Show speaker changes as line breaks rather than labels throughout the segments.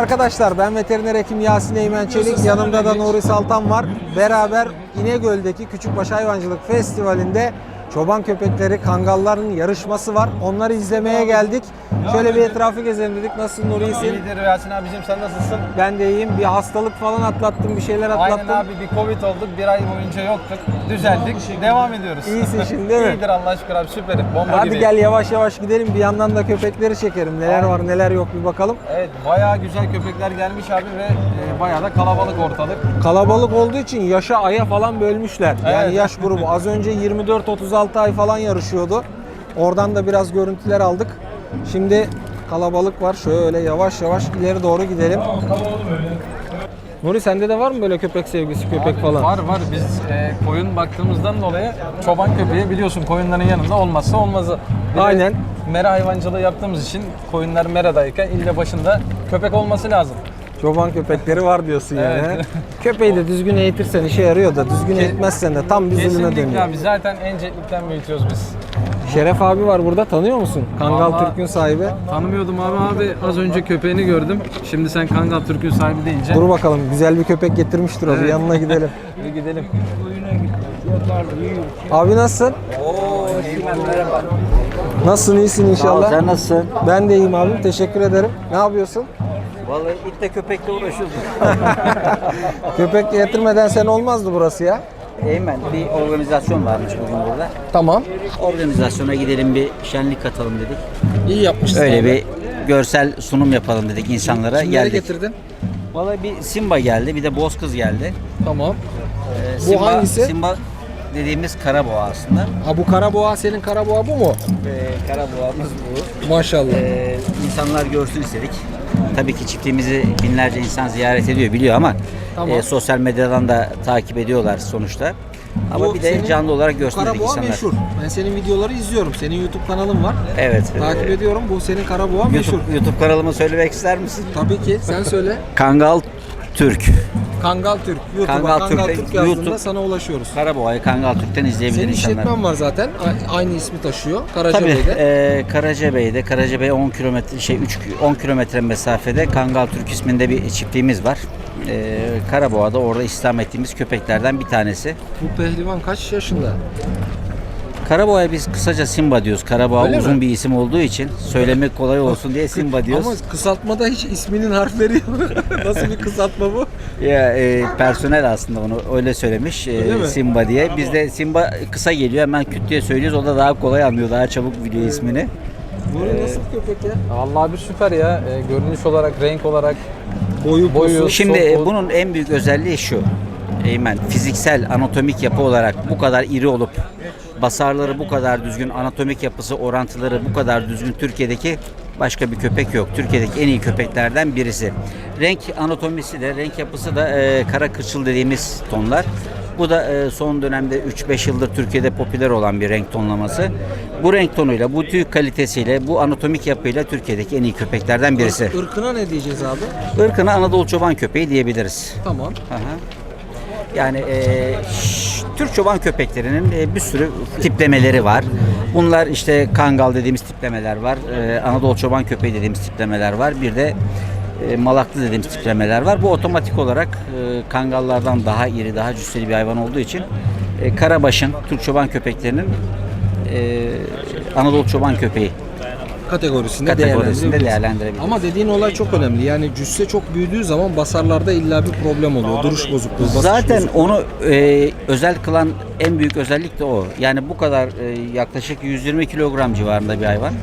arkadaşlar, ben veteriner hekim Yasin Eymen Çelik, yanımda da Nuri Saltan var. Beraber İnegöl'deki Küçükbaş Hayvancılık Festivali'nde çoban köpekleri, kangalların yarışması var. Onları izlemeye geldik. Şöyle bir etrafı gezelim dedik. Nasılsın Nuri, iyisin?
İyidir Yasin abicim, sen nasılsın?
Ben de iyiyim. Bir hastalık falan atlattım, bir şeyler atlattım.
Aynen abi, bir Covid olduk, bir ay boyunca yoktuk. Düzeldik, devam ediyoruz.
İyisin şimdi değil mi?
İyidir Allah şükür abi, süperim, bomba
Hadi
gibi.
gel yavaş yavaş gidelim. Bir yandan da köpekleri çekelim. Neler var neler yok bir bakalım.
Evet, bayağı güzel köpekler gelmiş abi ve bayağı da kalabalık ortalık.
Kalabalık olduğu için yaşa aya falan bölmüşler. Yani
Evet.
yaş grubu. Az önce 24-36 ay falan yarışıyordu. Oradan da biraz görüntüler aldık. Şimdi kalabalık var. Şöyle yavaş yavaş ileri doğru gidelim. Nuri, sende de var mı böyle köpek sevgisi, köpek falan?
Var, biz koyun baktığımızdan dolayı çoban köpeği biliyorsun koyunların yanında olmazsa olmazı. Bir de
Aynen.
mera hayvancılığı yaptığımız için koyunlar meradayken ille başında köpek olması lazım.
Çoban köpekleri var diyorsun yani.
Evet.
Köpeği de düzgün eğitirsen işe yarıyor da düzgün eğitmezsen de tam bir zulüme
Kesinlikle
dönüyor.
abi, zaten encelikten büyütüyoruz biz.
Şeref abi var burada, tanıyor musun? Kangal
Vallahi
Türk'ün sahibi.
Tanımıyordum abi, az önce köpeğini gördüm. Şimdi sen Kangal Türk'ün sahibi deyince.
Dur bakalım, güzel bir köpek getirmiştir o. Bir
Evet.
yanına gidelim.
Bir gidelim.
Abi nasılsın?
Merhaba.
Nasılsın, iyisin inşallah?
Sen nasılsın?
Ben de iyiyim abim, teşekkür ederim. Ne yapıyorsun?
Vallahi itle köpekle uğraşıyoruz.
Köpek getirmeden sen olmazdı burası ya.
Eymen, bir organizasyon varmış bugün burada.
Tamam.
Organizasyona gidelim, bir şenlik katalım dedik.
İyi yapmışsın.
Öyle
abi.
bir görsel sunum yapalım dedik insanlara.
Kimleri
geldik.
getirdin?
Vallahi bir Simba geldi, bir de Bozkız geldi.
Tamam.
Simba,
hangisi?
Simba dediğimiz karaboğa aslında.
Ha, bu karaboğa, senin karaboğa bu mu?
Karaboğamız bu.
Maşallah.
İnsanlar görsün istedik. Tabii ki çiftliğimizi binlerce insan ziyaret ediyor, biliyor ama
Tamam.
sosyal medyadan da takip ediyorlar sonuçta. Ama
Bu
bir de
senin-
canlı olarak görsün dedik
Karaboğa
insanlar.
meşhur. Ben senin videoları izliyorum. Senin YouTube kanalın var.
Evet.
Takip ediyorum. Bu senin karaboğa meşhur.
YouTube kanalımı söylemek ister misin?
Tabii ki. Sen söyle.
Kangal Türk.
Kangal Türk. YouTube'a
Kangal
Kangal,
Türk,
Türk yazdığında
YouTube.
sana ulaşıyoruz.
Karaboğa'yı Kangal Türk'ten izleyebilir
Senin
insanlar.
işletmen var zaten. Aynı ismi taşıyor.
Tabii
Karacabey'de.
Karacabey 10 kilometre 10 kilometre mesafede Kangal Türk isminde bir çiftliğimiz var. Karaboğa'da orada istihdam ettiğimiz köpeklerden bir tanesi.
Bu pehlivan kaç yaşında?
Karaboğa'ya biz kısaca Simba diyoruz. Karaboğa
Öyle
uzun
mi?
bir isim olduğu için söylemek kolay olsun diye Simba diyoruz.
Ama kısaltmada hiç isminin harfleri yok. Nasıl bir kısaltma bu?
Ya personel aslında onu öyle söylemiş
Öyle mi?
Simba diye. Biz de Simba kısa geliyor, hemen küt diye söylüyoruz. O da daha kolay anlıyor, daha çabuk biliyor ismini.
Bu nasıl bir köpek ya?
Vallahi bir süper ya. Görünüş olarak, renk olarak.
Boyu,
Boyu.
posu.
Şimdi
Sol-
bunun en büyük özelliği şu. Eymen, fiziksel, anatomik yapı olarak bu kadar iri olup basarları bu kadar düzgün, anatomik yapısı, orantıları bu kadar düzgün Türkiye'deki başka bir köpek yok. Türkiye'deki en iyi köpeklerden birisi. Renk anatomisi de, renk yapısı da kara kırçıl dediğimiz tonlar. Bu da son dönemde 3-5 yıldır Türkiye'de popüler olan bir renk tonlaması. Bu renk tonuyla, bu tüy kalitesiyle, bu anatomik yapıyla Türkiye'deki en iyi köpeklerden birisi.
Irkına ne diyeceğiz abi?
Irkına Anadolu çoban köpeği diyebiliriz.
Tamam.
Aha. Yani Türk çoban köpeklerinin bir sürü tiplemeleri var. Bunlar işte Kangal dediğimiz tiplemeler var. Anadolu çoban köpeği dediğimiz tiplemeler var. Bir de Malaklı dediğimiz tiplemeler var. Bu otomatik olarak Kangallardan daha iri, daha cüsseli bir hayvan olduğu için Karabaş'ın Türk çoban köpeklerinin Anadolu çoban köpeği
Kategorisinde
değerlendirebiliriz.
Ama dediğin olay çok önemli. Yani cüsse çok büyüdüğü zaman basarlarda illa bir problem oluyor. Duruş bozukluğu, basış
Zaten
bozukluğu.
onu özel kılan en büyük özellik de o. Yani bu kadar yaklaşık 120 kilogram civarında bir hayvan.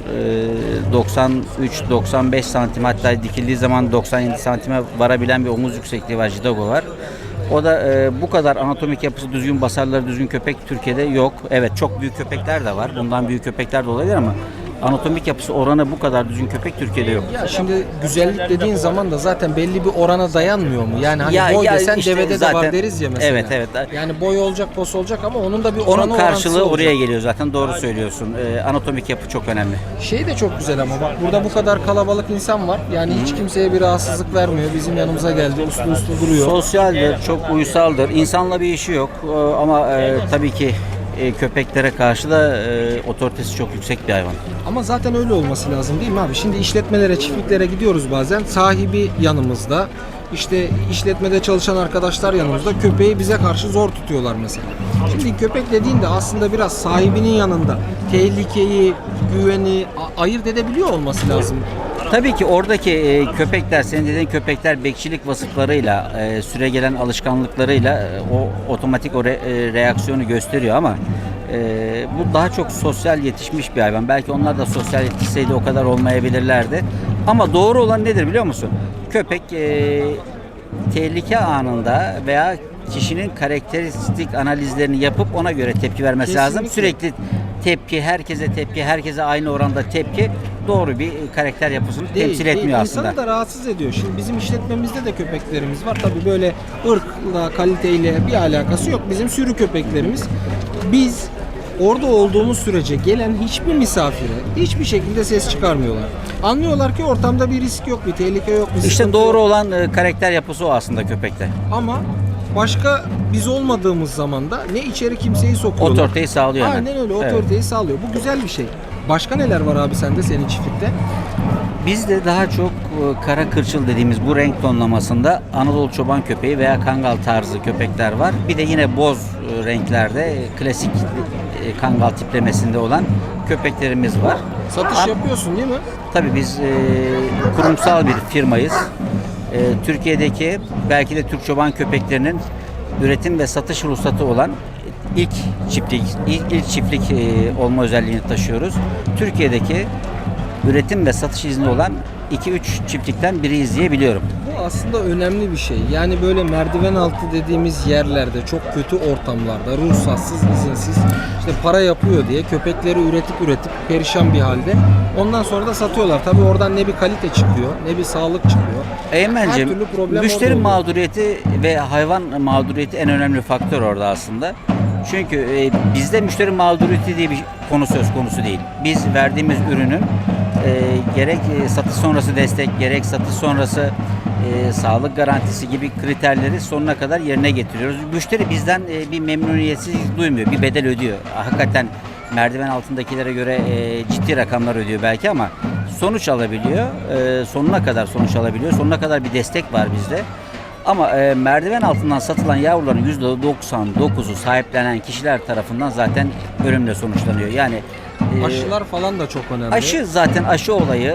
93-95 santim, hatta dikildiği zaman 97 santime varabilen bir omuz yüksekliği var. Jidago var. O da bu kadar anatomik yapısı düzgün, basarları düzgün köpek Türkiye'de yok. Evet, çok büyük köpekler de var. Bundan büyük köpekler de olabilir ama anatomik yapısı oranı bu kadar düzgün köpek Türkiye'de yok.
Ya şimdi güzellik dediğin zaman da zaten belli bir orana dayanmıyor mu? Yani hani
Ya-
boy
ya
desen
işte
devede de
zaten-
var deriz ya mesela.
Evet, evet.
Yani boy olacak, pos olacak ama onun da bir
Onun
oranı
karşılığı
orantısı
oraya
olacak.
geliyor zaten, doğru söylüyorsun. Anatomik yapı çok önemli.
Şey de çok güzel ama bak burada bu kadar kalabalık insan var. Yani hiç kimseye bir rahatsızlık vermiyor. Bizim yanımıza geldi, uslu uslu duruyor.
Sosyaldir, çok uysaldır. İnsanla bir işi yok ama tabii ki köpeklere karşı da otoritesi çok yüksek bir hayvan.
Ama zaten öyle olması lazım değil mi abi? Şimdi işletmelere, çiftliklere gidiyoruz bazen. Sahibi yanımızda. İşte işletmede çalışan arkadaşlar yanımızda. Köpeği bize karşı zor tutuyorlar mesela. Şimdi köpek dediğinde aslında biraz sahibinin yanında tehlikeyi, güveni ayırt edebiliyor olması lazım.
Tabii ki oradaki köpekler, senin dediğin köpekler bekçilik vasıflarıyla, süregelen alışkanlıklarıyla o otomatik reaksiyonu gösteriyor ama bu daha çok sosyal yetişmiş bir hayvan. Belki onlar da sosyal yetişseydi o kadar olmayabilirlerdi. Ama doğru olan nedir biliyor musun? Köpek tehlike anında veya kişinin karakteristik analizlerini yapıp ona göre tepki vermesi lazım. Sürekli tepki, herkese aynı oranda tepki doğru bir karakter yapısını temsil etmiyor aslında.
İnsanı da rahatsız ediyor. Şimdi bizim işletmemizde de köpeklerimiz var. Tabii böyle ırkla, kaliteyle bir alakası yok. Bizim sürü köpeklerimiz. Biz orada olduğumuz sürece gelen hiçbir misafire hiçbir şekilde ses çıkarmıyorlar. Anlıyorlar ki ortamda bir risk yok, bir tehlike yok. Bir
İşte
sıkıntı
doğru
yok.
olan karakter yapısı o aslında köpekte.
Ama başka biz olmadığımız zaman da ne içeri kimseyi sokuyorlar.
Otoriteyi sağlıyor hemen.
Aynen öyle,
Evet.
otoriteyi sağlıyor. Bu güzel bir şey. Başka neler var abi sende, senin çiftlikte?
Bizde daha çok kara kırçıl dediğimiz bu renk tonlamasında Anadolu çoban köpeği veya kangal tarzı köpekler var. Bir de yine boz renklerde klasik kangal tiplemesinde olan köpeklerimiz var.
Satış yapıyorsun değil mi?
Tabii biz kurumsal bir firmayız. Türkiye'deki belki de Türk çoban köpeklerinin üretim ve satış ruhsatı olan ilk çiftlik olma özelliğini taşıyoruz. Türkiye'deki üretim ve satış izni olan 2-3 çiftlikten biriyiz diye biliyorum.
Bu aslında önemli bir şey. Yani böyle merdiven altı dediğimiz yerlerde, çok kötü ortamlarda, ruhsatsız, izinsiz işte para yapıyor diye köpekleri üretip perişan bir halde. Ondan sonra da satıyorlar. Tabii oradan ne bir kalite çıkıyor, ne bir sağlık çıkıyor. Her
Eymen'cim,
türlü problem
müşteri
orada oluyor.
mağduriyeti ve hayvan mağduriyeti en önemli faktör orada aslında. Çünkü bizde müşteri mağduriyeti diye bir konu söz konusu değil. Biz verdiğimiz ürünün gerek satış sonrası destek, gerek satış sonrası sağlık garantisi gibi kriterleri sonuna kadar yerine getiriyoruz. Müşteri bizden bir memnuniyetsizlik duymuyor, bir bedel ödüyor. Hakikaten merdiven altındakilere göre ciddi rakamlar ödüyor belki ama sonuç alabiliyor. Sonuna kadar sonuç alabiliyor. Sonuna kadar bir destek var bizde. Ama merdiven altından satılan yavruların %99'u sahiplenen kişiler tarafından zaten ölümle sonuçlanıyor. Yani
Aşılar falan da çok önemli.
aşı olayı,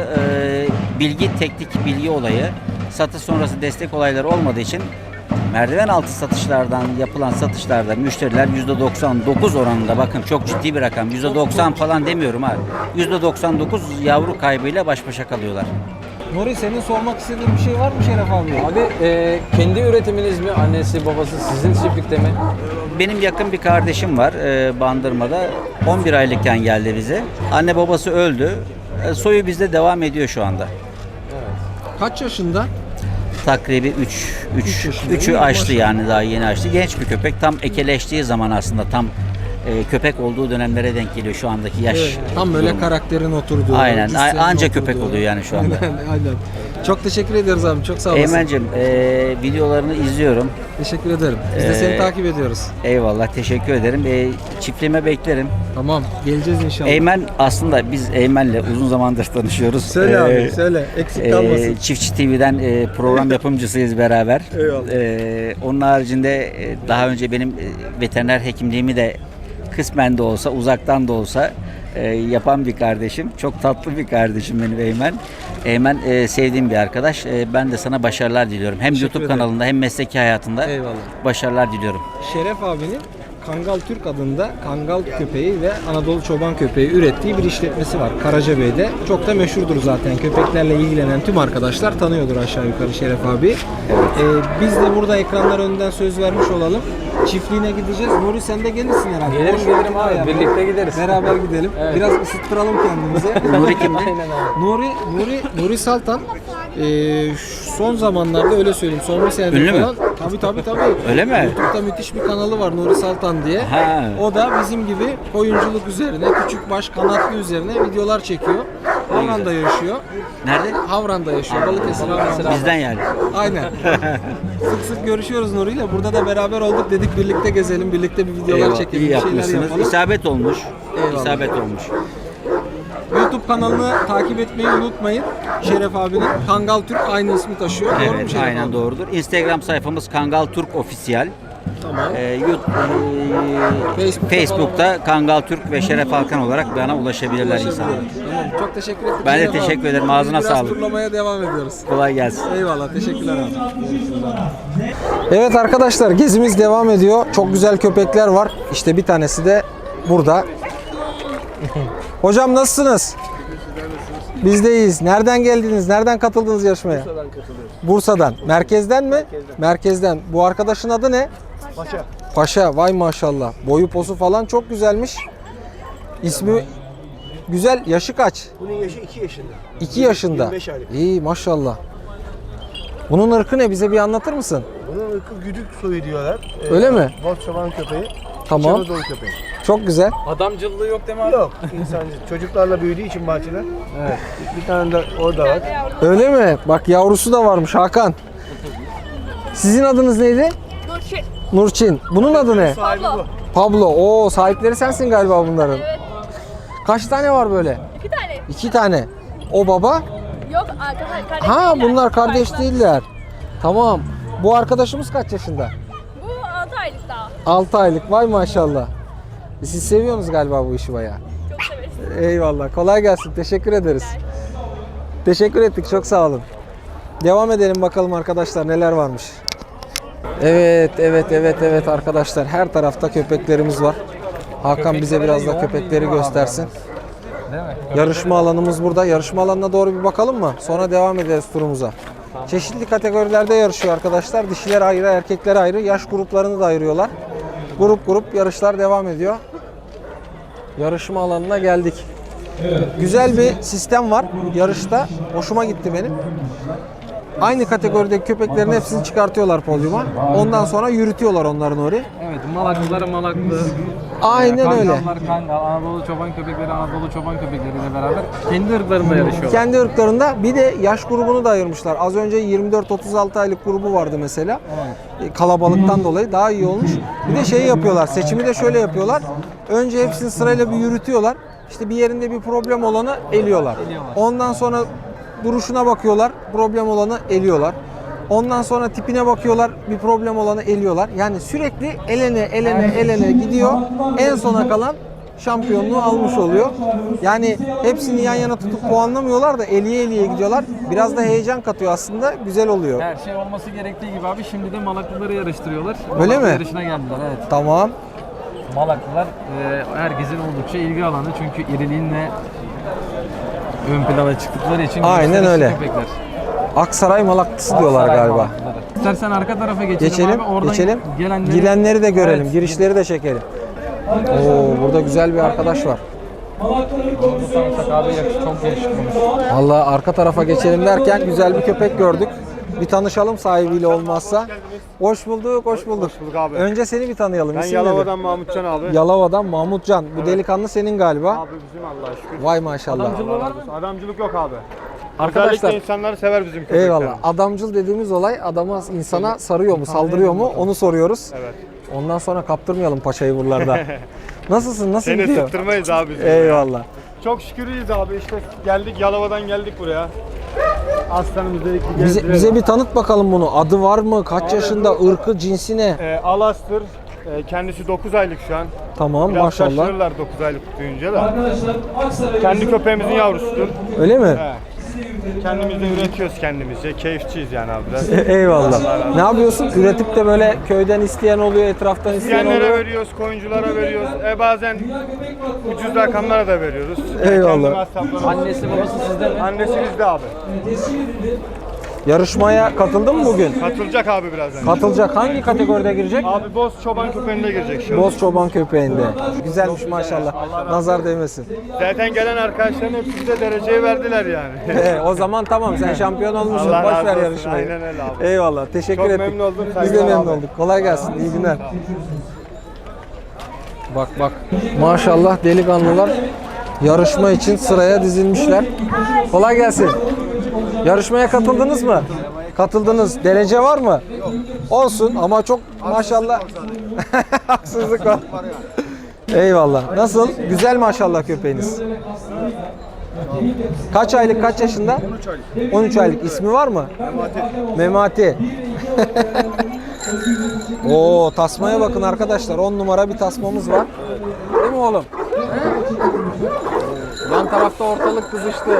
teknik bilgi olayı, satış sonrası destek olayları olmadığı için merdiven altı satışlardan yapılan satışlarda müşteriler %99 oranında, bakın çok ciddi bir rakam, %90 falan demiyorum abi, %99 yavru kaybıyla baş başa kalıyorlar.
Nuri, senin sormak istediğin bir şey var mı Şeref abi?
Abi kendi üretiminiz mi? Annesi, babası sizin çiftlikte mi?
Benim yakın bir kardeşim var Bandırma'da. 11 aylıkken geldi bize. Anne babası öldü. Soyu bizde devam ediyor şu anda.
Kaç yaşında?
Takribi
Üç yaşında.
3'ü
İyi,
açtı
maşallah.
yani, daha yeni açtı. Genç bir köpek. Tam ekeleştiği zaman aslında tam köpek olduğu dönemlere denk geliyor şu andaki yaş.
Evet, tam böyle
durumu.
karakterin oturduğu.
Aynen.
cüssenin
Anca
oturduğu.
köpek oluyor yani şu anda.
Aynen. Çok teşekkür ederiz abi. Çok sağ olasın.
Eymen'cim videolarını izliyorum.
Teşekkür ederim. Biz de seni takip ediyoruz.
Eyvallah, teşekkür ederim. Çiftliğime beklerim.
Tamam. Geleceğiz inşallah.
Eymen, aslında biz Eymen'le uzun zamandır tanışıyoruz.
Söyle abi, söyle. Eksik kalmasın.
Çiftçi TV'den program yapımcısıyız beraber.
Eyvallah.
Onun haricinde daha önce benim veteriner hekimliğimi de kısmen de olsa, uzaktan da olsa yapan bir kardeşim. Çok tatlı bir kardeşim benim Eymen. Eymen sevdiğim bir arkadaş. Ben de sana başarılar diliyorum. Hem
Teşekkür
YouTube
ederim.
kanalında hem mesleki hayatında
Eyvallah.
başarılar diliyorum.
Şeref abinin Kangal Türk adında Kangal köpeği ve Anadolu çoban köpeği ürettiği bir işletmesi var Karacabey'de. Çok da meşhurdur zaten. Köpeklerle ilgilenen tüm arkadaşlar tanıyordur aşağı yukarı Şeref abi. Biz de burada ekranlar önünden söz vermiş olalım. Çiftliğine gideceğiz. Nuri, sen de gelirsin herhalde.
Gelirim,
Boş
gelirim
vakit
abi.
ayarla.
Birlikte gideriz.
Beraber gidelim.
Evet.
Biraz ısıttıralım kendimizi.
Nuri kimdi?
Aynen abi.
Nuri Saltan son zamanlarda, öyle söyleyeyim, son bir senedir
Ünlü mü?
falan. Tabii.
Öyle mi?
YouTube'da müthiş bir kanalı var Nuri Saltan diye.
Ha.
O da bizim gibi oyunculuk üzerine, küçük baş kanatlı üzerine videolar çekiyor. Havran'da yaşıyor.
Nerede?
Havran'da yaşıyor. Balıkesir Havran'da.
Bizden yani.
Aynen. Sık sık görüşüyoruz Nuri'yle. Burada da beraber olduk. Dedik birlikte gezelim, birlikte bir videolar
Eyvallah,
çekelim,
iyi
bir şeyler
yapmışsınız.
yapalım.
İsabet olmuş.
Eyvallah.
İsabet olmuş.
YouTube kanalını takip etmeyi unutmayın. Şeref abinin Kangal Türk aynı ismi taşıyor. Doğru mu
Evet,
Şeref
aynen
abi?
doğrudur. Instagram sayfamız Kangal Türk Official.
Tamam.
Facebook'ta Kangal Türk ve Şeref Hakan olarak bana ulaşabilirler insanlar.
Tamam. Çok teşekkür ettik.
Ben de
Şeref abi.
teşekkür ederim. Ağzına
Biraz
sağlık.
turlamaya devam ediyoruz.
Kolay gelsin.
Eyvallah. Teşekkürler abi. Evet arkadaşlar, gezimiz devam ediyor. Çok güzel köpekler var. İşte bir tanesi de burada. Hocam nasılsınız? Biz de iyiyiz. Nereden geldiniz? Nereden katıldınız yarışmaya?
Bursa'dan katılıyoruz.
Bursa'dan. Merkezden mi? Merkezden. Bu arkadaşın adı ne?
Paşa.
Paşa. Vay maşallah. Boyu posu falan çok güzelmiş. İsmi güzel. Yaşı kaç?
Bunun yaşı 2 yaşında.
2 yaşında.
25 aylık.
İyi maşallah. Bunun ırkı ne? Bize bir anlatır mısın?
Bunun ırkı güdük soyu diyorlar.
Öyle mi?
Boz çoban köpeği.
Tamam.
Anadolu köpeği.
Çok güzel.
Adamcılığı yok değil mi abi?
Yok. İnsancı. Çocuklarla büyüdüğü için bahçede. Evet. Bir tane de orada var.
Öyle mi? Bak yavrusu da varmış Hakan. Sizin adınız neydi?
Nurçin.
Nurçin. Bunun adı ne?
Sahibi bu.
Pablo. Oo, sahipleri sensin galiba bunların.
Evet.
Kaç tane var böyle?
2 tane.
2 tane. O baba?
Yok arkadaşlar.
Ha, bunlar kardeş değiller. Tamam. Bu arkadaşımız kaç yaşında?
Bu 6 aylık daha.
6 aylık. Vay maşallah. Siz seviyorsunuz galiba bu işi bayağı.
Çok severiz.
Eyvallah. Kolay gelsin. Teşekkür ederiz. Teşekkür ettik. Çok sağ olun. Devam edelim bakalım arkadaşlar neler varmış. Evet arkadaşlar. Her tarafta köpeklerimiz var. Hakan bize biraz da köpekleri göstersin.
Değil mi?
Yarışma alanımız burada. Yarışma alanına doğru bir bakalım mı? Sonra devam ederiz turumuza. Çeşitli kategorilerde yarışıyor arkadaşlar. Dişiler ayrı, erkekler ayrı. Yaş gruplarını da ayırıyorlar. Grup yarışlar devam ediyor. Yarışma alanına geldik. Güzel bir sistem var yarışta. Hoşuma gitti benim. Aynı kategorideki köpeklerin hepsini çıkartıyorlar podyuma. Ondan sonra yürütüyorlar onların oraya.
Evet, malaklıları malaklı.
Aynen öyle.
Kangallar kangal, Anadolu çoban köpekleri Anadolu çoban köpekleriyle beraber kendi ırklarında yarışıyorlar.
Kendi ırklarında bir de yaş grubunu da ayırmışlar. Az önce 24-36 aylık grubu vardı mesela. Kalabalıktan dolayı daha iyi olmuş. Bir de şey yapıyorlar. Seçimi de şöyle yapıyorlar. Önce hepsini sırayla bir yürütüyorlar. İşte bir yerinde bir problem olanı eliyorlar. Ondan sonra duruşuna bakıyorlar. Problem olanı eliyorlar. Ondan sonra tipine bakıyorlar. Bir problem olanı eliyorlar. Yani sürekli elene gidiyor. En sona kalan şampiyonluğu almış oluyor. Yani hepsini yan yana tutup puanlamıyorlar da eliye gidiyorlar. Biraz da heyecan katıyor aslında. Güzel oluyor.
Her şey olması gerektiği gibi abi şimdi de malaklıları yarıştırıyorlar.
Öyle
Malaklı
mi?
yarışına geldiler evet.
Tamam.
Malaklılar herkesin oldukça ilgi alanı çünkü iriliğinle ön plana çıktıkları için
Aynen
gösterişli
öyle.
köpekler.
Aksaray malaklısı diyorlar
Aksaray
galiba.
malaklıları. İstersen arka tarafa geçelim,
Geçelim,
abi. Oradan
geçelim.
Gelenleri...
Girenleri de görelim,
Evet.
girişleri de çekelim. Oo, burada güzel bir arkadaş var.
Bu tanışak abi çok yakışıklıymış.
Vallahi arka tarafa geçelim derken güzel bir köpek gördük. Bir tanışalım sahibiyle olmazsa. Hoş bulduk, hoş bulduk.
bulduk abi.
Önce seni bir tanıyalım.
Ben
İsim
Yalova'dan Mahmutcan abi.
nedir? Yalova'dan Mahmutcan. Bu delikanlı senin galiba.
Abi bizim Allah'a şükür.
Vay maşallah.
Adamcılık yok abi.
Arkadaşlar,
Özellikle insanları sever bizim köpekler.
eyvallah. Adamcıl dediğimiz olay adama, insana sarıyor mu, saldırıyor mu onu soruyoruz.
Evet.
Ondan sonra kaptırmayalım paçayı buralarda. Nasılsın, nasıl
Seni
gidiyor?
sıktırmayız abi biz.
Eyvallah.
Çok şükür iyiyiz abi işte geldik Yalova'dan geldik buraya. Aslanımız dedik bir
Bize,
gezdirelim.
bize bir tanıt bakalım bunu. Adı var mı? Kaç yaşında? Irkı, cinsi ne?
Alastır. Kendisi 9 aylık şu an.
Tamam
Biraz
maşallah.
şaşırırlar 9 aylık duyunca da. Kendi köpeğimizin yavrusudur.
Öyle mi?
He. Kendimiz de üretiyoruz kendimizce. Keyifçiyiz yani abi biraz.
Eyvallah. Ne yapıyorsun? Üretip de böyle köyden isteyen oluyor, etraftan isteyen
İsteyenlere
oluyor.
veriyoruz, koyunculara veriyoruz. Bazen ucuz rakamlara da veriyoruz.
Eyvallah.
Kendi masraflarımız.
Annesi babası sizde mi?
Annesi bizde abi.
Yarışmaya katıldın mı bugün?
Katılacak abi birazdan.
Katılacak. Hangi kategoride girecek?
Abi boz çoban köpeğine girecek şu an.
Boz çoban köpeğinde. Güzelmiş maşallah. Nazar değmesin.
Zaten gelen arkadaşların hepsi bize dereceyi verdiler yani.
O zaman tamam, sen şampiyon olmuşsun.
Allah
Boş
razı
ver
olsun.
yarışmayı.
Aynen öyle abi.
Eyvallah. Teşekkür
Çok
ettik.
memnun oldum.
Biz de
Saygılar
memnun
abi.
olduk. Kolay gelsin. İyi günler. Bak bak. Maşallah delikanlılar yarışma için sıraya dizilmişler. Kolay gelsin. Yarışmaya katıldınız mı? Katıldınız. Derece var mı? Olsun ama çok maşallah. Haksızlık var. Eyvallah. Nasıl? Güzel maşallah köpeğiniz. Kaç aylık, kaç yaşında?
13 aylık.
13 aylık. İsmi var mı?
Memati.
Memati. Oo, tasmaya bakın arkadaşlar. 10 numara bir tasmamız var. Değil mi oğlum? Yan tarafta ortalık kızıştı.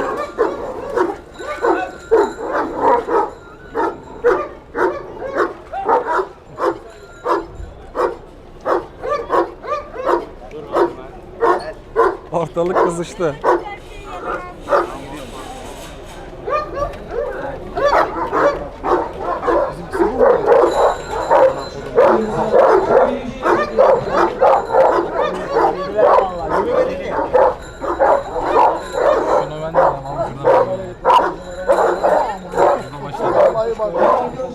Ortalık kızıştı.
Şunu ben de alayım abi. Şuradan başlayalım.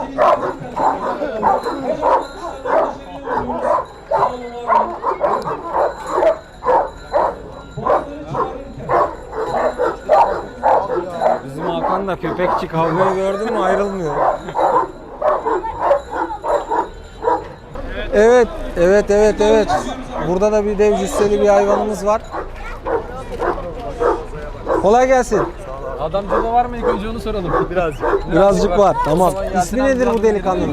Bizim Hakan da köpekçi, kavgayı gördün mü ayrılmıyor. Evet, evet. Burada da bir dev cüsseli bir hayvanımız var. Kolay gelsin.
Adamcılığı var mı ilk önce onu soralım.
Birazcık var. Tamam. İsmi nedir bu delikanlının?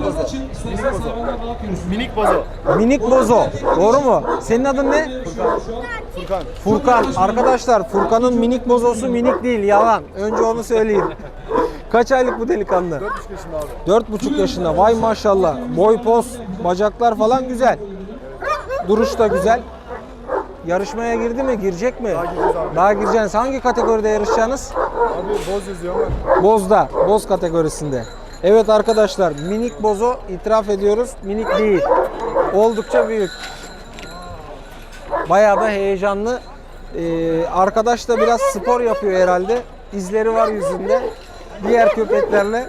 Minik bozo.
Minik Bozo. Doğru mu? Senin adın ne?
Furkan.
Furkan. Arkadaşlar Furkan'ın minik bozosu minik değil. Yalan. Önce onu söyleyeyim. Kaç aylık bu delikanlı?
4,5 yaşında abi.
4,5 yaşında. Vay maşallah. Boy, poz, bacaklar falan güzel. Duruş da güzel. Yarışmaya girdi mi? Girecek mi?
Daha gireceğiz abi.
Daha gireceksiniz. Hangi kategoride yarışacaksınız?
Abi boz yazıyor ama.
Bozda. Boz kategorisinde. Evet arkadaşlar, minik bozo itiraf ediyoruz. Minik değil. Oldukça büyük. Bayağı da heyecanlı. Arkadaş da biraz spor yapıyor herhalde. İzleri var yüzünde. Diğer köpeklerle.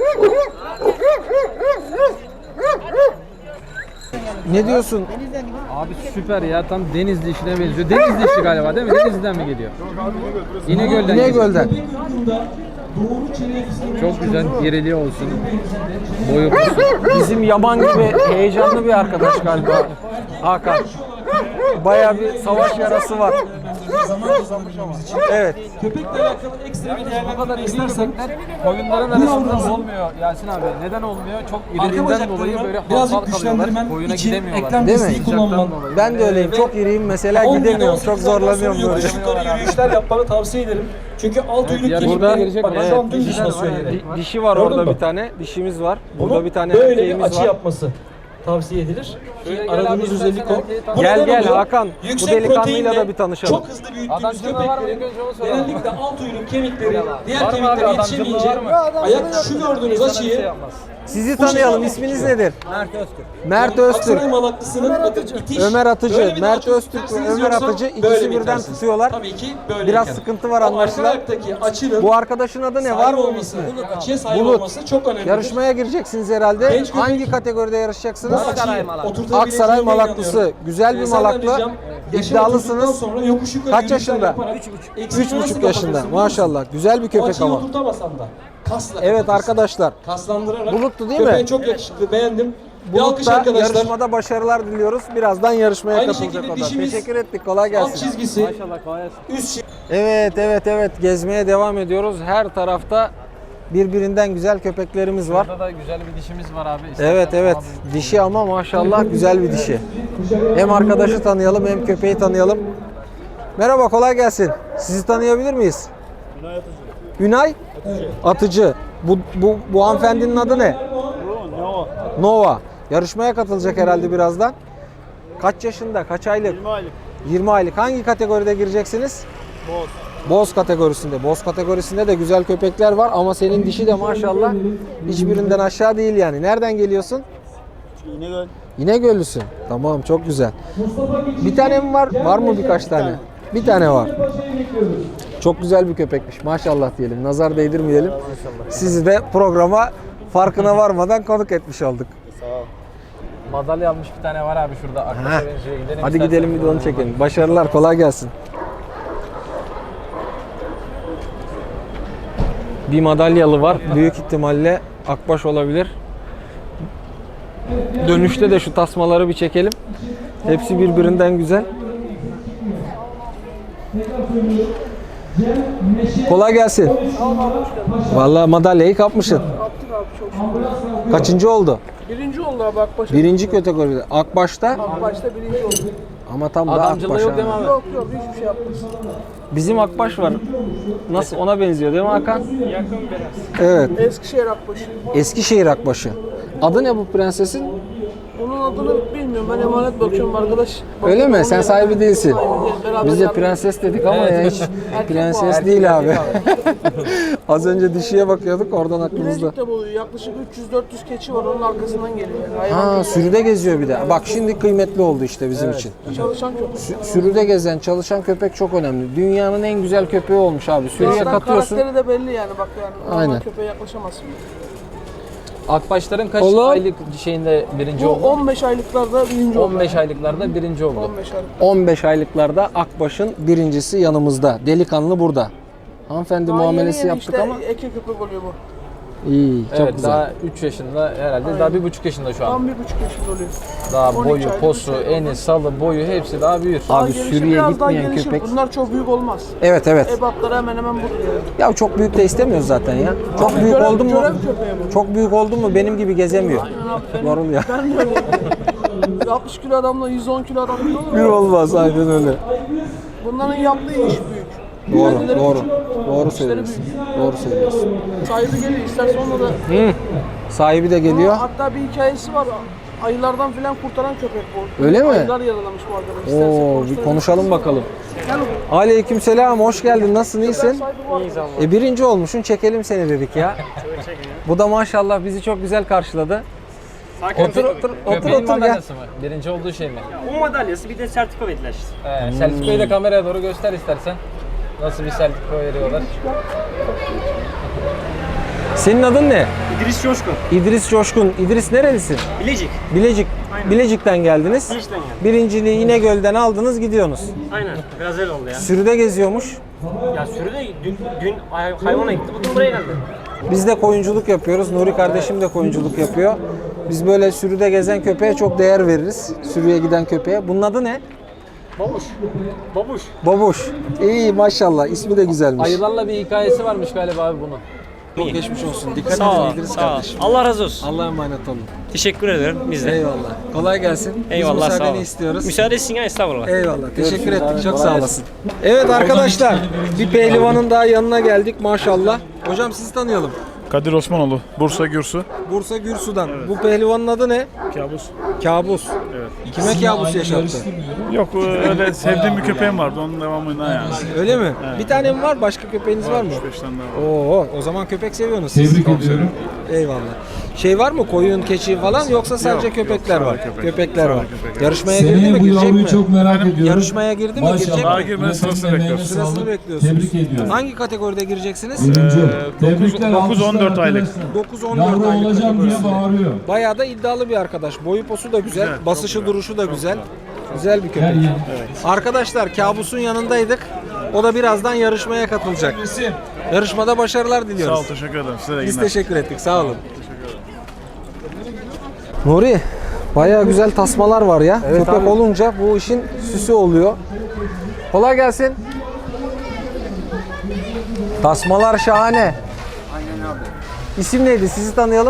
Ne diyorsun?
Abi süper ya, tam Denizli işine benziyor. Denizli işi galiba değil mi? Denizli'den mi geliyor? İnegöl'den geliyor.
İnegöl'den.
Çok güzel, geriliği olsun. Boyu olsun.
Bizim Yaman gibi heyecanlı bir arkadaş galiba Hakan. Bayağı bir savaş yarası var. Evet.
Köpekle alakalı ekstra bir değerlendirme kadar istersek koyunların arasında olmuyor Yasin abi. Neden olmuyor? Çok iriliğinden dolayı böyle hantal kalıyorlar. Koyuna gidemiyorlar.
Değil mi?
Sıcaktan dolayı.
Ben de öyleyim. Çok iriyim mesela, gidemiyorum. Çok zorlanıyorum böyle.
Yukarı yürüyüşler yapmanı tavsiye ederim. Çünkü alt uyluk
yarışmada
kemikleri,
gelecek
bak
olan
şu an
dişiler
dümdüz
var
basıyor
yani.
yere.
Dişi var
Gördün
orada
mü?
bir tane. Dişimiz var. Burada
Bunu
bir tane
böyle bir
erkeğimiz
açı
var.
yapması tavsiye edilir.
Şöyle gel
Aradığımız
abi,
özellik
istersen
o.
erkeği
Bu
Gel,
neden
gel
oluyor?
Hakan. Bu
Yüksek
delikanlıyla
proteinle
da bir tanışalım.
Çok hızlı büyüttüğümüz
Adamcılığı var mı? İlk
köpeklerin
önce onu soralım.
genellikle alt uyluk kemikleri, diğer
Var mı abi,
kemikler
adamcılığı
yetişemeyince
var mı?
ayak şu gördüğünüz
İnsana bir şey
açıyı
yapmaz.
Sizi tanıyalım. İsminiz nedir? Mert Öztürk.
Aksaray Malaklısı'nın itiş.
Ömer Atıcı.
Böyle bir daha
Mert
çok
Öztürk ve
isterseniz
Ömer
yoksa
Atıcı
böyle
ikisi
mi
birden
itersiniz?
tutuyorlar.
Tabii ki böyle.
Biraz sıkıntı var
O
anlaşılan.
arka ayaktaki açının
Bu arkadaşın adı ne? Var mı onun ismi?
Açıya sahip
Bulut.
olması çok önemli.
Yarışmaya gireceksiniz herhalde.
Genç köpek-
Hangi kategoride yarışacaksınız? Aksaray
Aksaray
Malaklısı. Güzel bir malaklı. İddialısınız. Kaç yaşında? 3,5 yaşında. Maşallah. Güzel bir köpek
Açıyı
ama.
oturtamasan da kasla.
Evet arkadaşlar.
Kaslandırarak.
Buluttu değil mi?
Köpeğin çok yakışıklı, beğendim. Bir alkış
Bulut'ta
arkadaşlar.
yarışmada başarılar diliyoruz. Birazdan yarışmaya
Aynı
katılacak
şekilde
o da.
dişimiz-
Teşekkür ettik. Kolay
Alt
gelsin.
çizgisi, üst
Evet. Gezmeye devam ediyoruz. Her tarafta birbirinden güzel köpeklerimiz var.
Burada da güzel bir dişimiz var abi. İstersen
Evet.
abi.
Dişi ama maşallah güzel bir dişi. Hem arkadaşı tanıyalım hem köpeği tanıyalım. Merhaba, kolay gelsin. Sizi tanıyabilir miyiz? Ünay Atıcı. Bu hanımefendinin adı ne? Nova. Yarışmaya katılacak herhalde birazdan. Kaç yaşında? Kaç aylık?
20 aylık.
20 aylık. Hangi kategoride gireceksiniz?
Boz.
Boz kategorisinde. Boz kategorisinde de güzel köpekler var ama senin dişi de maşallah hiçbirinden aşağı değil yani. Nereden geliyorsun?
İnegöl.
İnegöllüsün. Tamam, çok güzel. Bir tane mi var? Var mı birkaç tane? Bir tane var. Çok güzel bir köpekmiş. Maşallah diyelim. Nazar değdirmeyelim. Sizi de programa farkına varmadan konuk etmiş olduk.
Madalya almış bir tane var abi şurada.
Heh.
Arkadaşa benziyor. Gidelim
Hadi
istersen.
gidelim bir de onu çekelim. Başarılar, kolay gelsin. Bir madalyalı var. Büyük ihtimalle akbaş olabilir. Dönüşte de şu tasmaları bir çekelim. Hepsi birbirinden güzel. Kolay gelsin. Vallahi madalyayı kapmışsın.
Kaptık abi çok şükür.
Kaçıncı oldu?
Birinci oldu abi Akbaş.
Birinci kategoride. Akbaş'ta
Akbaş'ta birinci oldu.
ama tam da
Adamcılığı
Akbaş.
yok
ha.
değil mi abi?
Yok yok hiçbir şey yapmaz.
Bizim Akbaş var. Nasıl ona benziyor değil mi Hakan? Yakın biraz. Evet.
Eskişehir Akbaşı.
Eskişehir Akbaşı. Adı ne bu prensesin?
Bunun adını bilmiyorum. Ben emanet bakıyorum arkadaş.
Öyle mi? Sen sahibi değilsin.
Sahibi değil. Beraber
Biz de
yardım-
prenses dedik ama
Evet.
ya hiç
Erkek
prenses
bu.
değil abi. Az önce dişiye bakıyorduk oradan aklımızda.
Bilecik'te boyuyor. Yaklaşık 300-400 keçi var. Onun arkasından geliyor. Yani. Hayvan
Ha sürüde geziyor bir de. Bak şimdi kıymetli oldu işte bizim için.
çalışan köpek.
Sürüde gezen, çalışan köpek çok önemli. Dünyanın en güzel köpeği olmuş abi. Sürüye
Zaten
katıyorsun.
karakteri de belli yani. Bak yani.
Aynen.
Aynen. Köpeğe yaklaşamazsın.
Akbaşların kaç
Oğlum.
aylık şeyinde birinci
Bu
oldu?
15 aylıklarda birinci oldu.
15 aylıklarda birinci oldu.
15 aylık.
15 aylıklarda Akbaş'ın birincisi yanımızda. Delikanlı burada. Hanımefendi
Daha
muamelesi
yeni
yaptık
işte
ama
eke köpek oluyor bu.
iyi, çok
Evet
güzel.
daha 3 yaşında herhalde daha 1,5 yaşında şu an.
Tam 1,5 yaşında oluyor.
Daha
12
boyu,
aylık,
posu,
3 aylık.
eni, salı, boyu hepsi daha büyür.
Abi
Daha gelişir,
sürüye
biraz daha
gitmeyen
gelişir.
köpek.
Bunlar çok büyük olmaz.
Evet evet.
Ebatları hemen hemen budur yani.
Ya çok büyük de istemiyoruz zaten ya. Çok büyük
görev-
oldu mu?
görev köpeği bu.
Çok büyük oldu mu benim gibi gezemiyor.
Aynen abi, benim-
Yoruluyor.
Ben de öyle. 60 kilo adamla 110 kilo adam bir olur
Bir
mu?
olmaz aynen öyle.
Bunların yaptığı iş büyük.
Doğru,
Kendileri
doğru.
küçük.
Doğru
İşleri
söylüyorsun.
büyük.
Doğru söylüyorsun.
Sahibi geliyor isterse onunla da.
Sahibi de geliyor.
Hatta bir hikayesi var. Ayılardan filan kurtaran köpek bu.
Öyle mi?
Ayılar yaralamış bu arkadaş. İsterse
Oo, bir
konuşturabiliriz.
konuşalım bakalım.
Gel oğlum.
Aleykümselam, hoş geldin. Nasılsın, iyisin?
Sahibi var.
Birinci olmuşsun, çekelim seni dedik ya. Bu da maşallah bizi çok güzel karşıladı. Otur otur
Köpeğin
otur gel.
madalyası mı? Birinci olduğu şey mi?
O madalyası bir de sertifika verdiler işte.
Selçuklu'yu da kameraya doğru göster istersen. Nasıl bir sertifika veriyorlar?
Senin adın ne?
İdris Coşkun.
İdris Coşkun. İdris nerelisin?
Bilecik.
Bilecik.
Aynen.
Bilecik'ten geldiniz.
Bilecik'ten geldim.
Birinciliği İnegöl'den aldınız, gidiyorsunuz.
Aynen. Biraz öyle oldu ya.
Sürüde geziyormuş.
Ya sürüde dün hayvana gitti. Bugün buraya geldi.
Biz de koyunculuk yapıyoruz. Nuri kardeşim de koyunculuk yapıyor. Biz böyle sürüde gezen köpeğe çok değer veririz. Sürüye giden köpeğe. Bunun adı ne?
Babuş. Babuş.
Babuş. İyi maşallah. İsmi de güzelmiş.
Ayılarla bir hikayesi varmış galiba abi bunun.
Çok geçmiş olsun. Dikkat
Sağ ol.
edin İdris
Sağ ol.
kardeşim.
Allah razı olsun.
Allah'a emanet olun.
Teşekkür ederim. Biz de.
Eyvallah. Kolay gelsin.
Eyvallah.
Biz
Sağ
müsaadeni
olun.
istiyoruz.
Müsaade etsin ya estağfurullah.
Eyvallah. Teşekkür ettik. Çok sağ olasın. Evet arkadaşlar. Bir pehlivanın daha yanına geldik maşallah. Hocam sizi tanıyalım.
Kadir Osmanoğlu, Bursa Gürsu.
Bursa Gürsu'dan. Bu pehlivanın adı ne?
Kabus.
Kabus. Evet. Kime kabus yaşattı?
Yok öyle sevdiğim bir köpeğim vardı onun devamında yani.
Öyle mi? Bir tane mi var? Başka köpeğiniz var mı?
3-5 tane daha var.
Oo, o zaman köpek seviyorsunuz siz. Tebrik ediyorum. Eyvallah. Şey var mı? Koyun, keçi falan yoksa sadece
Yok,
köpekler
sadece
var.
köpek.
Köpekler
Sadece
var.
köpek, evet.
Yarışmaya girdi mi?
Seneye bu
Girecek
yavruyu
mi?
çok merak ediyorum.
Yarışmaya girdi mi? Girecek
Daha
mi?
girmeden sırasını bekliyoruz.
Sırasını bekliyorsunuz.
Tebrik ediyorum.
Hangi kategoride gireceksiniz?
Birinci. Tebrikler
9-14 aylık.
9-14
Yavru
aylık
olacağım diye
kategorisi.
bağırıyor.
Bayağı da iddialı bir arkadaş. Boyu posu da güzel,
Güzel,
basışı
çok güzel.
duruşu da güzel. Güzel bir
Her
köpek.
yer.
Arkadaşlar Kabus'un yanındaydık. O da birazdan yarışmaya katılacak. Yarışmada başarılar
Sağ
diliyoruz.
ol, teşekkür ederim. Size de iyi
Biz
günler.
teşekkür ettik. Sağ olun. Nuri, bayağı güzel tasmalar var ya. Köpek olunca bu işin süsü oluyor. Kolay gelsin. Tasmalar şahane. Aynen abi. İsim neydi? Sizi tanıyalım.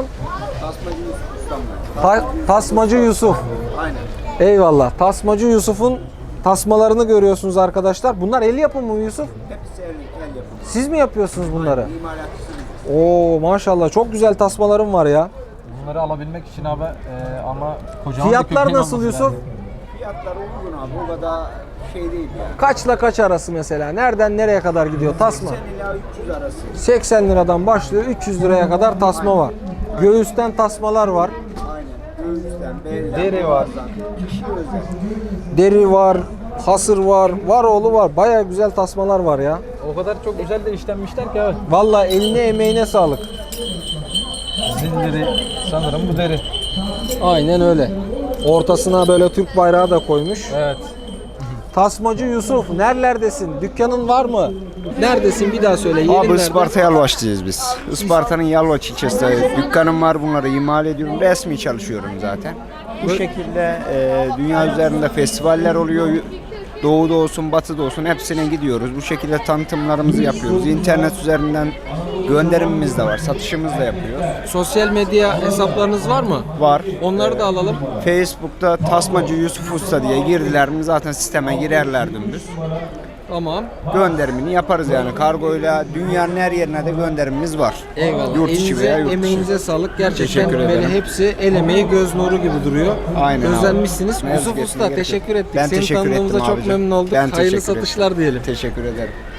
Tasmacı Yusuf. Aynen. Eyvallah. Tasmacı Yusuf'un tasmalarını görüyorsunuz arkadaşlar. Bunlar el yapımı mı Yusuf?
Hepsi el yapımı.
Siz mi yapıyorsunuz bunları?
İmalatçısıyız.
Oo maşallah çok güzel tasmalarım var ya.
Bunları alabilmek için abi ama kocaman bir
Fiyatlar
köpeğin
nasıl
olması
Yusuf?
lazım.
Fiyatları uygun abi. O kadar şey değil yani.
Kaçla kaç arası mesela? Nereden nereye kadar gidiyor tasma?
80 ila 300 arası.
80 liradan başlıyor 300 liraya kadar tasma var. Göğüsten tasmalar var.
Aynen. Göğüsten, belden,
Deri var.
boğazdan. Kişi özel.
Deri var, hasır var, var oğlu var. Baya güzel tasmalar var ya.
O kadar çok güzel de işlenmişler ki abi.
Vallahi eline emeğine sağlık.
Zilleri sanırım bu deri.
Aynen öyle. Ortasına böyle Türk bayrağı da koymuş.
Evet.
Tasmacı Yusuf, nerelerdesin? Dükkanın var mı? Neredesin? Bir daha söyle. Yerin
Abi
nerede?
Isparta Yalvaç'tayız biz. Isparta'nın Yalvaç ilçesinde dükkanım var, bunları imal ediyorum. Resmi çalışıyorum zaten. Bu şekilde dünya üzerinde festivaller oluyor. Doğuda olsun, batıda olsun hepsine gidiyoruz. Bu şekilde tanıtımlarımızı yapıyoruz. İnternet üzerinden gönderimimiz de var, satışımız da yapıyoruz.
Sosyal medya hesaplarınız var mı?
Var.
Onları da alalım.
Facebook'ta Tasmacı Yusuf Usta diye girdiler mi zaten sisteme girerler dümdüz.
Tamam.
Gönderimini yaparız yani. Kargoyla dünyanın her yerine de gönderimimiz var.
Eyvallah.
Yurt içi
Elinize,
veya yurt dışı.
emeğinize sağlık. Gerçekten
Teşekkür
böyle
ederim.
hepsi el emeği göz nuru gibi duruyor.
Aynen abi.
Özenmişsiniz.
Ne
Yusuf
yazık
Usta
ki
teşekkür ettik.
Ben
Seni
teşekkür
tanıdığımıza
ettim
çok
abicim.
memnun olduk.
Ben
Hayırlı
teşekkür
satışlar
ettim.
diyelim.
Teşekkür ederim.